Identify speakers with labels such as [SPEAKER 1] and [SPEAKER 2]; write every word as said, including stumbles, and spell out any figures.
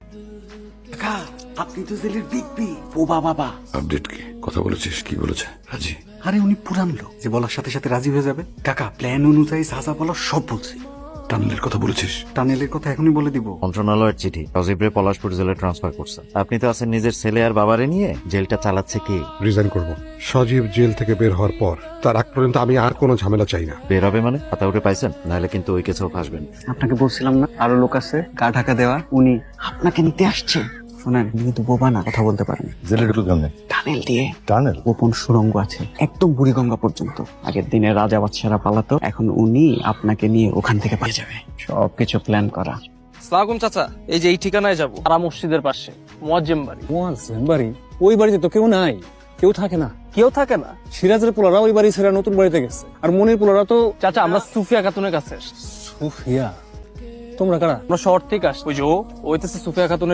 [SPEAKER 1] কাকা, আপনি তো জেলের বিগ বি বোবা বাবা।
[SPEAKER 2] আপডেট কি? কথা বলেছিস? কি বলেছে রাজি?
[SPEAKER 1] আরে উনি পুরান লোক, যে বলার সাথে সাথে রাজি হয়ে যাবে। কাকা, প্ল্যান অনুযায়ী সাজা বলার সব বলছি।
[SPEAKER 2] টানেলের কথা বলেছিস?
[SPEAKER 1] টানেলের কথা এখনই বলে দিব।
[SPEAKER 3] মন্ত্রণালয়ের চিঠি সজীবরে পলাশপুর জেলে ট্রান্সফার করছে। আপনি তো আছেন নিজের ছেলে আর বাবারে নিয়ে, জেলটা চালাচ্ছে কি?
[SPEAKER 4] রিজাইন করব। সজীব জেল থেকে বের হওয়ার পর তার আগ পর্যন্ত আমি আর কোনো ঝামেলা চাই না।
[SPEAKER 3] বের হবে মানে? হাতা উঠে পাইছেন? নাহলে কিন্তু ওই কেছেও ফাঁসবেন।
[SPEAKER 1] আপনাকে বলছিলাম না আরো লোক আছে গা ঢাকা দেওয়া, উনি আপনাকে নিতে আসছে। শোনেন, উনি কিন্তু বোবা না, কথা বলতে পারেন।
[SPEAKER 2] জেলে ঢুকলো কেমনে?
[SPEAKER 1] টানেল দিয়ে
[SPEAKER 2] টানেল?
[SPEAKER 1] গোপন সুড়ঙ্গ আছে একদম বুড়িগঙ্গা পর্যন্ত। আগের দিনে রাজা বাদশারা পালাতো, এখন উনি আপনাকে নিয়ে ওখান থেকে পালিয়ে যাবে। সবকিছু প্ল্যান করা।
[SPEAKER 5] সালাম চাচা, এই যে এই ঠিকানায় যাবো, আরা মসজিদের পাশে মুয়াজ্জেম বাড়ি।
[SPEAKER 6] মুয়াজ্জেম বাড়ি? ওই বাড়িতে তো কেউ নাই, কেউ থাকে না।
[SPEAKER 5] কেউ থাকে না?
[SPEAKER 6] সিরাজের পোলারা ওই বাড়ি ছেড়ে নতুন বাড়িতে গেছে, আর মনির পোলারা তো।
[SPEAKER 5] চাচা, আমরা সুফিয়া খাতুনের কাছে।
[SPEAKER 6] সুফিয়া? তোমরা কারা?
[SPEAKER 5] আমরা শহর থেকে আসছি। ওই যে ও, ওইতেছে সুফিয়া খাতুনের